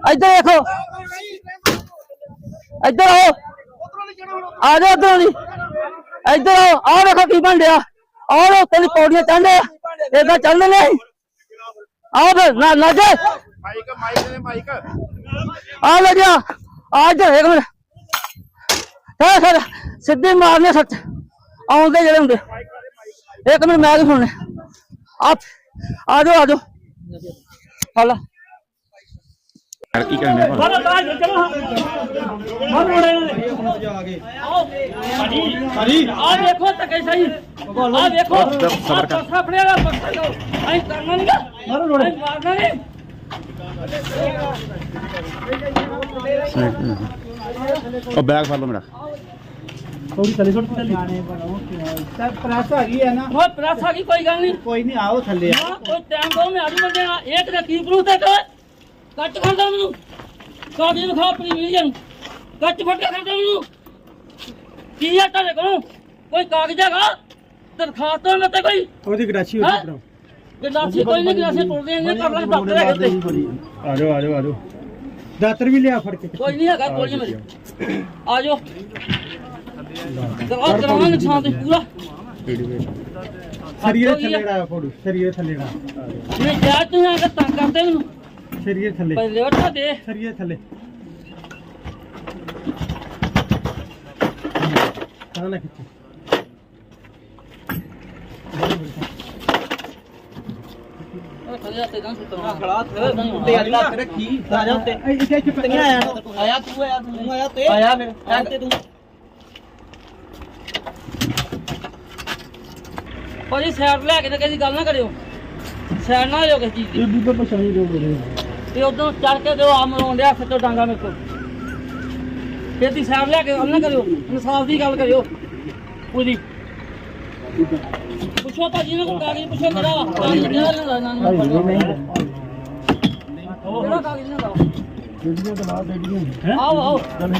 इधर देखो इधर आओ आ जाओ उधर इधर आओ देखो की बन रहा आओ तेरी पौड़ियां चढ़ इधर चढ़ने नहीं आओ फिर ना जा आ ले जा आ इधर एक मिनट सर सीधी मारने सच आउंदे जेड़े हुंदे एक मिनट मैं भी सुनने आप आ जाओ हाला की करने बैग फड़ लो मेरा थोड़ी थले छोड़ थले सर प्रेस आ गई है ना बहुत प्रेस आ गई कोई गल नहीं कोई नहीं आओ थले कोई टाइम दो मैं आलू बंदे एक ने की प्रूफ दे कट कर दो मेनू कागज दिखा अपनी वीडियो कट फट कर दो मेनू की है तेरे को कोई कागज हैगा दरखास्त तो ना ते कोई ओदी गराची होती करो गिलासी कोई नहीं गिलासी तोड़ देंगे कर ले डॉक्टर है आ जाओ दातर भी लिया फड़ के कोई नहीं हैगा कोई मेरी आ जाओ दरवाजा कराना नुकसान तो पूरा शरीर थलेड़ा फोड़ू शरीर थलेड़ा नहीं जा तू अगर तंग करते मेनू शरीर थले पहले उठा दे शरीर थले खाना खिच्चे खड़े आते गांव सुतरा खड़ा थे ते अल्लाह तेरे की आ जा ते इसे चिपटियां आया तू आया ते आया मेरे ते तू ਭਾਜੀ ਸਾਈਡ ਲੈ ਕੇ ਤੇ ਕਿਸੇ ਗੱਲ ਨਾ ਕਰਿਓ ਸਾਈਡ ਨਾ ਹੋਇਓ ਕਿਸੇ ਚੀਜ਼ ਦੀ ਇਹ ਵੀ ਤਾਂ ਪਛਾਣੀ ਦੋ ਬੋਲੇ ਤੇ ਉਦੋਂ ਚੜ ਕੇ ਦਿਓ ਆ ਮਰੋਂ ਡਿਆ ਸੱਚੋ ਡਾਂਗਾ ਮੇਰੇ ਕੋਲ ਫਿਰ ਦੀ ਸਾਈਡ ਲੈ ਕੇ ਗੱਲ ਨਾ ਕਰਿਓ ਇਨਸਾਫ ਦੀ ਗੱਲ ਕਰਿਓ ਪੂਰੀ ਪੁੱਛੋ ਭਾਜੀ ਨੇ ਕੋਈ ਕਾਗਜ਼ ਪੁੱਛੋ ਕਿਹੜਾ ਵਾ ਕਾਗਜ਼ ਕਿਹੜਾ ਲੈਂਦਾ ਨਾ ਕਿਹੜਾ ਕਾਗਜ਼ ਲੈਂਦਾ ਵੀਡੀਓ ਤਾਂ ਬਾਅਦ ਵੀਡੀਓ ਹੈ ਆਓ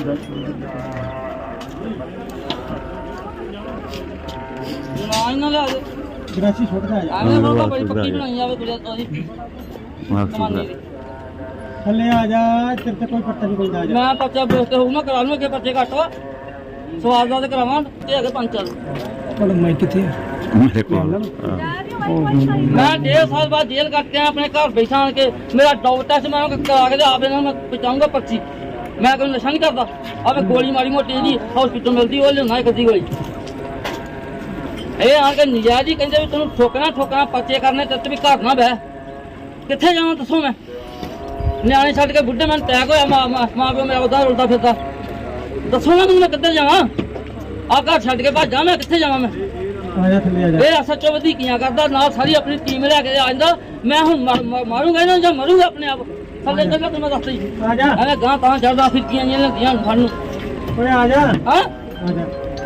ਨਾ ਲੈ ਆਜੋ ਗਰਾਚੀ ਛੋੜ ਜਾ ਆਵੇਂ ਰੋਗਾ ਬੜੀ ਪੱਕੀ ਬਣਾਈ ਜਾਵੇ ਕੁੜੀਆਂ ਤੋਦੀ ਕਮਾਨੀ ਦੀ ਥੱਲੇ ਆ ਜਾ ਤੇਰੇ ਤੇ ਕੋਈ ਪੱਤਾ ਨਹੀਂ ਕੋਈ ਜਾ ਮੈਂ ਪਰਚਾ ਬੇਸਤੇ ਹੋਊ ਮੈਂ ਕਰਾ ਲੂੰ ਅੱਗੇ ਪਰਚੇ ਘੱਟ ਸਵਾਲ ਦਾ ਤੇ ਕਰਾਵਾਂ ਤੇ ਅੱਗੇ ਪੰਜ ਚੱਲ ਕੋਲ ਮੈਂ ਕਿੱਥੇ मेरे को मैं 1.5 साल बाद जेल कट के अपने घर बैठा के मेरा डॉग टेस्ट मैं करा के आप मैं पहुंचाऊंगा पर्ची मैं कोई नशा नहीं करता अब गोली मारी मोटी जी हॉस्पिटल मिलती वो लेना एक गोली ये आके नजायज ही कहते भी तेन ठोकना पर्चे करने ते भी घर ना बह कितने जावा दसो मैं न्याणे छड़ के बुढ़े मैं टैक होया मां प्यो मेरा उदा रुलता फिरता दसो ना मैं किधर जावा आ घर छड़ के भाजा मैं कितने जावा मैं ਆਇਆ ਥੱਲੇ ਆ ਜਾ ਇਹ ਸੱਚੋ ਵਧੀਕੀਆਂ ਕਰਦਾ ਨਾਲ ਸਾਰੀ ਆਪਣੀ ਟੀਮ ਲੈ ਕੇ ਆ ਜਾਂਦਾ ਮੈਂ ਹੁਣ ਮਾਰੂੰਗਾ ਇਹਨਾਂ ਜਾਂ ਮਰੂੰਗਾ ਆਪਣੇ ਆਪ ਥੱਲੇ ਚੱਲਣਾ ਤੇ ਮੈਂ ਦੱਸਦਾ ਜੀ ਆ ਜਾ ਐਵੇਂ ਗਾਂ ਤਾਂ ਚੜਦਾ ਫਿਰਕੀਆਂ ਜਿਹੀਆਂ ਲੱਗੀਆਂ ਫੜ ਨੂੰ ਓਏ ਆ ਜਾ ਹਾਂ ਆ ਜਾ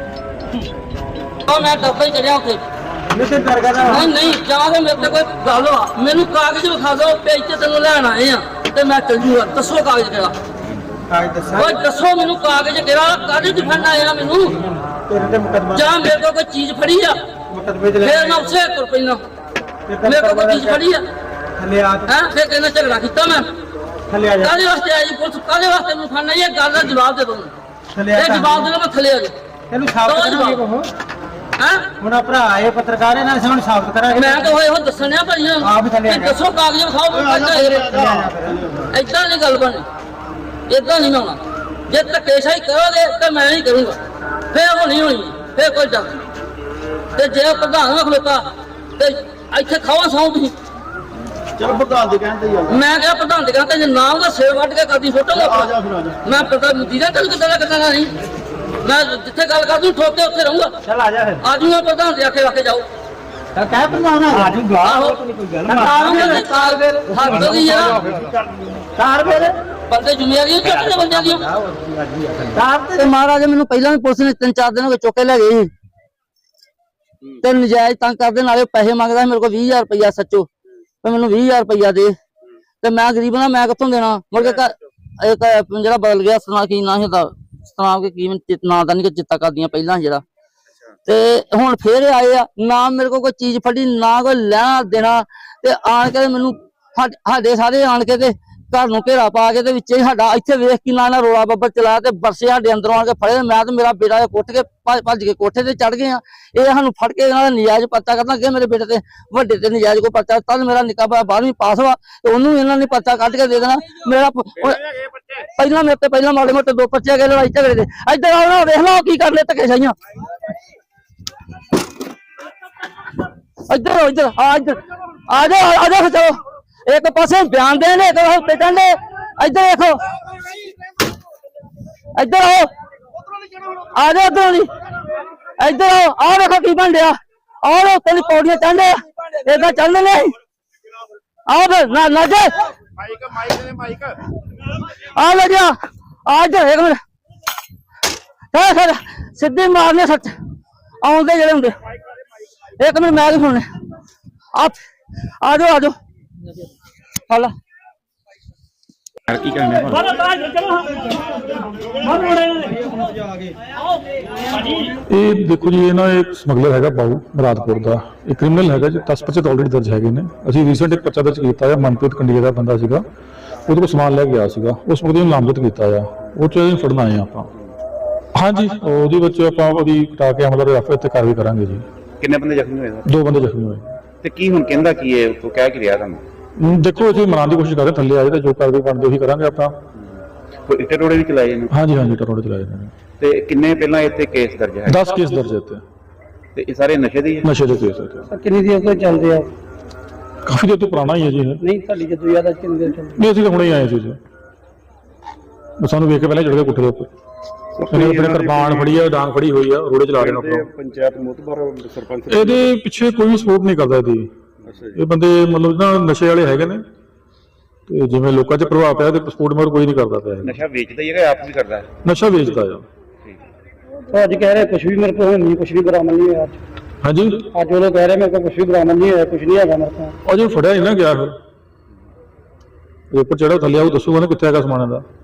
ਮੈਂ ਡੱਬਾ ਹੀ ਚੜਿਆ ਉੱਥੇ ਮੈਂ ਤੇ ਡਰ ਗਿਆ ਨਹੀਂ ਜਾਂ ਤੇ ਮੇਰੇ ਤੇ ਕੋਈ ਗੱਲ ਆ ਮੈਨੂੰ ਕਾਗਜ਼ ਵਿਖਾ ਦਿਓ ਪੇਜ ਤੇ ਤੈਨੂੰ ਲੈਣ ਆਏ ਆ ਤੇ ਮੈਂ ਚੱਲ ਜੂਗਾ ਦੱਸੋ ਕਾਗਜ਼ ਕਿਹੜਾ ਕਾਗਜ਼ ਦੱਸਾਂ ਓਏ ਦੱਸੋ ਮੈਨੂੰ ਕਾਗਜ਼ ਕਿਹੜਾ ਕਾਗਜ਼ ਦਿਖਾਣਾ ਆਇਆ ਮੈਨੂੰ ਤੇਰੇ ਤੇ ਮੁਕਦਮਾ ਜਾਂ ਮੇਰੇ ਕੋਲ ਕੋਈ ਚੀਜ਼ ਫੜੀ ਆ ਮੁਕਦਮੇ ਚ ਲੈ ਫੇਰ ਮੈਂ ਉਸੇ ਤੁਰ ਪੈਣਾ ਮੇਰੇ ਕੋਲ ਕੋਈ ਚੀਜ਼ ਫੜੀ ਆ ਥੱਲੇ ਆ ਹੈਂ ਫੇਰ ਕਹਿੰਦਾ ਝਗੜਾ ਕੀਤਾ ਮੈਂ ਥੱਲੇ ਆ ਜਾ ਕਾਹਦੇ ਵਾਸਤੇ ਆਈ ਪੁਲਿਸ ਕਾਹਦੇ ਵਾਸਤੇ ਮੈਨੂੰ ਖਾਣਾ ਇਹ ਗੱਲ ਦਾ ਜਵਾਬ ਦੇ ਦੋ ਥੱਲੇ ਆ ਇਹ ਜਵਾਬ ਦੇ ਦੋ ਮੈਂ ਥੱਲੇ ਆ ਜਾ ਤੈਨੂੰ ਸਾਬਤ ਕਰਾਂਗੇ ਕੋ ਹੈਂ ਹੁਣ ਭਰਾ ਆਏ ਪੱਤਰਕਾਰ ਇਹਨਾਂ ਨੇ ਸਾਨੂੰ ਸਾਬਤ ਕਰਾਂਗੇ ਮੈਂ ਤਾਂ ਹੋਏ ਹੁਣ ਦੱਸਣਿਆ ਭਾਈਆਂ ਆਪ ਥੱਲੇ ਆ ਜਾ। ਦੱਸੋ ਕਾਗਜ਼ ਵਿਖਾਓ ਏਦਾਂ ਨਹੀਂ ਗੱਲ ਬਣੀ ਏਦਾਂ ਨਹੀਂ ਹੋਣਾ ਜੇ ਧੱਕੇਸ਼ਾਹੀ ਕਰੋਗੇ ਤਾਂ ਮੈਂ ਹੀ ਕਰੂੰਗਾ ਫੇਰ ਹੋਣੀ ਫੇਰ ਕੋਈ ਡਰ ਨਹੀਂ ਤੇ ਜੇ ਪ੍ਰਧਾਨ ਨਾ ਖਲੋਤਾ ਤੇ ਇੱਥੇ ਖਾਵਾ ਸੌਂ ਤੁਸੀਂ ਚਲ ਪ੍ਰਧਾਨ ਦੇ ਕਹਿੰਦੇ ਹੀ ਮੈਂ ਕਿਹਾ ਪ੍ਰਧਾਨ ਦੇ ਕਹਿੰਦੇ ਜੇ ਨਾਮ ਦਾ ਸਿਰ ਵੱਢ ਕੇ ਕਰਦੀ ਫੋਟੋ ਮੈਂ ਪ੍ਰਧਾਨ ਦੀ ਗੱਲ ਕਿੱਦਾਂ ਨਹੀਂ ਮੈਂ ਜਿੱਥੇ ਗੱਲ ਕਰਦੀ ਠੋਕ ਕੇ ਉੱਥੇ ਰਹੂੰਗਾ ਚਲ ਆ ਜਾ ਫਿਰ ਆ ਜੂਗਾ ਪ੍ਰਧਾਨ ਦੇ ਆਖੇ ਵਾਕੇ ਜਾਓ ਤਾਂ ਕਹਿ ਪ੍ਰਧਾਨ ਆ ਜੂਗਾ ਆਹੋ ਕੋਈ ਗੱਲ ਕਾਰ ਫਿਰ ਹੱਦ ਦੀ ਆ ਕਾਰ ਫਿਰ ਬੰਦੇ ਜ਼ਿੰਮੇਵਾਰੀਆਂ ਚੱਕਦੇ ਬੰਦਿਆਂ ਦੀਆਂ ਕਾਰ ਤੇ ਮਹਾਰਾਜ ਮੈਨੂੰ ਪਹਿਲਾਂ ਵੀ ਪੁਲਿਸ ਨੇ 3-4 ਦਿਨ ਹੋ ਗਏ ਚੁੱਕ ਕੇ ਲੈ ਗਏ ਸੀ ਤੇ ਨਜਾਇਜ਼ ਤੰਗ ਕਰਦੇ ਨਾਲੇ ਪੈਸੇ ਮੰਗਦਾ ਮੇਰੇ ਕੋਲ 20000 ਰੁਪਇਆ ਸੱਚੋ ਤੇ ਮੈਨੂੰ 20000 ਰੁਪਇਆ ਦੇ ਤੇ ਮੈਂ ਗਰੀਬ ਨਾ ਮੈਂ ਕਿੱਥੋਂ ਦੇਣਾ ਮੁੜ ਕੇ ਇੱਕ ਜਿਹੜਾ ਬਦਲ ਗਿਆ ਸੁਣਾ ਕੀ ਨਾ ਹੁੰਦਾ ਸੁਣਾ ਕੇ ਕੀ ਨਾਂ ਦਾ ਨਹੀਂ ਚਿੱਤਾ ਕਰਦੀਆਂ ਪਹਿਲਾਂ ਜਿਹੜਾ ਤੇ ਹੁਣ ਫੇਰ ਆਏ ਆ ਨਾ ਮੇਰੇ ਕੋਲ ਕੋਈ ਚੀਜ਼ ਫੜੀ ਨਾ ਕੋਈ ਲੈਣਾ ਦੇਣਾ ਤੇ ਆਣ ਕੇ ਮੈਨੂੰ ਸਾਡੇ ਸਾਰੇ ਆਣ ਕੇ ਤੇ ਘਰ ਨੂੰ ਘੇਰਾ ਪਾ ਕੇ ਤੇ ਵਿੱਚੇ ਹੀ ਸਾਡਾ ਇੱਥੇ ਵੇਖ ਕੇ ਨਾ ਰੋਲਾ ਬੱਬਰ ਚਲਾਇਆ ਤੇ ਬਰਸੇ ਸਾਡੇ ਅੰਦਰੋਂ ਆ ਕੇ ਫੜੇ ਤੇ ਮੈਂ ਤੇ ਮੇਰਾ ਬੇਟਾ ਕੁੱਟ ਕੇ ਭੱਜ ਕੇ ਕੋਠੇ ਤੇ ਚੜ ਗਏ ਆ। ਇਹ ਸਾਨੂੰ ਫੜ ਕੇ ਇਹਨਾਂ ਦਾ ਨਜਾਇਜ਼ ਪਰਚਾ ਕਰਨਾ ਅੱਗੇ ਮੇਰੇ ਬੇਟੇ ਤੇ ਵੱਡੇ ਤੇ ਨਜਾਇਜ਼ ਕੋਈ ਪਰਚਾ ਤਦ ਮੇਰਾ ਨਿੱਕਾ ਭਰਾ 12ਵੀਂ ਪਾਸ ਵਾ ਤੇ ਉਹਨੂੰ ਇਹਨਾਂ ਨੇ ਪਰਚਾ ਕੱਢ ਕੇ ਦੇ ਦੇਣਾ। ਮੇਰਾ ਪਹਿਲਾਂ ਮੇਰੇ ਤੇ ਪਹਿਲਾਂ ਮਾੜੇ ਮੋਟੇ 2 ਪਰਚੇ ਗਏ ਲੜਾਈ ਝਗੜੇ ਦੇ। ਇੱਧਰ ਆਓ ਨਾ ਵੇਖ ਲਓ ਕੀ ਕਰਨੇ ਧੱਕੇ ਸਾਈਆਂ। ਇੱਧਰ ਇੱਧਰ ਆ ਜਾਓ ਖਚੋ ਇੱਕ ਪਾਸੇ ਬਿਆਨ ਦੇਣ ਇੱਕ ਪਾਸੇ ਕਹਿੰਦੇ ਇੱਧਰ ਦੇਖੋ ਇੱਧਰ ਆਓ ਆ ਜਾਓ ਇੱਧਰ ਦੀ ਇੱਧਰ ਆਓ ਦੇਖੋ ਕੀ ਬਣ ਰਿਹਾ। ਆਓ ਉੱਤੇ ਦੀ ਪੌੜੀਆਂ ਚੜ੍ਹਦੇ ਆ ਏਦਾਂ ਚੱਲਦੇ ਨੇ। ਆਓ ਫਿਰ ਨਾ ਜੇ ਮਾਈਕ ਆ ਲੈ ਜਾ ਆ ਇੱਧਰ ਇੱਕ ਮਿੰਟ ਸਰ ਸਿੱਧੀ ਮਾਰਨੇ ਸੱਚ ਆਉਂਦੇ ਜਿਹੜੇ ਹੁੰਦੇ। ਇੱਕ ਮਿੰਟ ਮੈਂ ਵੀ ਸੁਣਨੇ ਆ ਜਾਓ ਹਾਲਾ ਕੀ ਕਰਨੇ ਇਹ ਦੇਖੋ ਜੀ ਇਹ ਨਾ ਇੱਕ ਸਮਗਲਰ ਹੈਗਾ ਬਾਊ ਮੁਰਾਦਪੁਰ ਦਾ, ਇਹ ਕ੍ਰਿਮੀਨਲ ਹੈਗਾ ਜੀ। 10 ਪਰਚੇ ਆਲਰੇਡੀ ਦਰਜ ਹੈਗੇ ਨੇ। ਅਸੀਂ ਰੀਸੈਂਟ ਇੱਕ ਪਰਚਾ ਦਰਜ ਕੀਤਾ ਹੈ, ਮਨਪ੍ਰੀਤ ਕੰਡੀਆ ਦਾ ਬੰਦਾ ਸੀਗਾ, ਉਹਦੇ ਕੋਲ ਸਮਾਨ ਲੈ ਕੇ ਗਿਆ ਸੀਗਾ, ਉਸ ਮੁਕਦੇ ਨੂੰ ਨਾਮਜ਼ਦ ਕੀਤਾ ਆ। ਉਹ ਚ ਅਸੀਂ ਫੜਨਾ ਆਏ ਆਪਾਂ। ਹਾਂਜੀ ਉਹਦੇ ਵਿੱਚ ਆਪਾਂ ਉਹਦੀ ਕਟਾ ਕੇ ਅਮਲ ਰਫੇ ਤੇ ਕਾਰਵਾਈ ਕਰਾਂਗੇ ਜੀ। ਕਿੰਨੇ ਬੰਦੇ ਜ਼ਖਮੀ ਹੋਏ 2 ਬੰਦੇ ਜ਼ਖਮੀ ਹੋਏ। ਤੇ ਕੀ ਹੁਣ ਕਹਿੰਦਾ ਕੀ ਹੈ ਉਹ ਕਹਿ ਕੇ ਰਿਹਾ ਤੁਹਾਨੂੰ? ਦੇਖੋ ਅਸੀਂ ਮਨਾਉਣ ਦੀ ਕੋਸ਼ਿਸ਼ ਕਰ ਰਹੇ, ਥੱਲੇ ਆਏ ਤਾਂ ਜੋ ਕਾਰਵਾਈ ਬਣਦੀ ਉਹੀ ਕਰਾਂਗੇ ਆਪਾਂ। ਕੋਈ ਇੱਟੇ ਟੋੜੇ ਵੀ ਚਲਾਏ ਨੇ? ਹਾਂਜੀ ਟਰੋੜੇ ਚਲਾਏ ਨੇ। ਤੇ ਕਿੰਨੇ ਪਹਿਲਾਂ ਇੱਥੇ ਕੇਸ ਦਰਜ ਹੈ? 10 ਕੇਸ ਦਰਜ ਹੈ ਇੱਥੇ, ਤੇ ਇਹ ਸਾਰੇ ਨਸ਼ੇ ਦੇ ਹੀ ਹੈ? ਨਸ਼ੇ ਦੇ ਕੇਸ ਇੱਥੇ। ਕਿੰਨੀ ਦੇਰ ਤੋਂ ਚੱਲਦੇ ਆ? ਕਾਫੀ ਦੇਰ ਤੋਂ ਪੁਰਾਣਾ ਹੀ ਹੈ ਜੀ ਇਹ। ਨਹੀਂ ਤੁਹਾਡੀ ਜਦੋਂ ਯਾਦ ਆ ਕਿੰਨੀ ਦੇਰ ਚੱਲਦੇ? ਨਹੀਂ ਅਸੀਂ ਤਾਂ ਹੁਣੇ ਹੀ ਆਏ ਸੀ ਜੀ, ਸਾਨੂੰ ਵੇਖ ਕੇ ਪਹਿਲਾਂ ਚੜ ਕੇ ਕੁੱਟੇ ਦੇ ਉੱਪਰ। ਇਹਨੇ ਆਪਣੇ ਕਿਰਪਾਨ ਫੜੀ ਆ, ਡਾਂਗ ਫੜੀ ਹੋਈ ਆ, ਰੋੜੇ ਚਲਾ ਰਹੇ ਨੇ ਆਪਣਾ। ਪੰਚਾਇਤ ਮੁਤਬਰ ਸਰਪੰਚ ਇਹਦੇ ਪਿੱਛੇ ਕੋਈ ਸਪੋਰਟ ਨਹੀਂ ਕਰਦਾ ਇਹਦੀ। ਇਹ ਬੰਦੇ ਮਤਲਬ ਨਾ ਨਸ਼ੇ ਵਾਲੇ ਹੈਗੇ ਨੇ, ਤੇ ਜਿਵੇਂ ਲੋਕਾਂ 'ਚ ਪ੍ਰਭਾਵ ਪਿਆ ਤੇ ਸਪੋਰਟ ਮਗਰ ਕੋਈ ਨਹੀਂ ਕਰਦਾ ਪਿਆ। ਨਸ਼ਾ ਵੇਚਦਾ ਹੀ ਹੈਗਾ, ਆਪ ਵੀ ਕਰਦਾ ਹੈ? ਨਸ਼ਾ ਵੇਚਦਾ ਆ। ਅੱਜ ਕਹਿ ਰਹੇ ਕੁਝ ਵੀ ਮੇਰੇ ਕੋਲ ਨਹੀਂ, ਕੁਝ ਵੀ ਬਰਾਮਦ ਨਹੀਂ ਹੋਇਆ। ਹਾਂਜੀ ਅੱਜ ਉਹ ਲੋਕ ਕਹਿ ਰਹੇ ਮੇਰੇ ਕੋਲ ਕੁਝ ਵੀ ਬਰਾਮਦ ਨਹੀਂ ਹੋਇਆ, ਕੁਝ ਨਹੀਂ ਹੈਗਾ ਮੇਰੇ ਕੋਲ। ਅਜੇ ਫੜਿਆ ਨਹੀਂ ਨਾ ਗਿਆ, ਫਿਰ ਉੱਪਰ ਚੜ੍ਹਾ ਥੱਲੇ ਆਉ ਦੱਸੂਗਾ ਨਾ ਕਿੱਥੇ ਹੈਗਾ ਸਮਾਨ ਦਾ।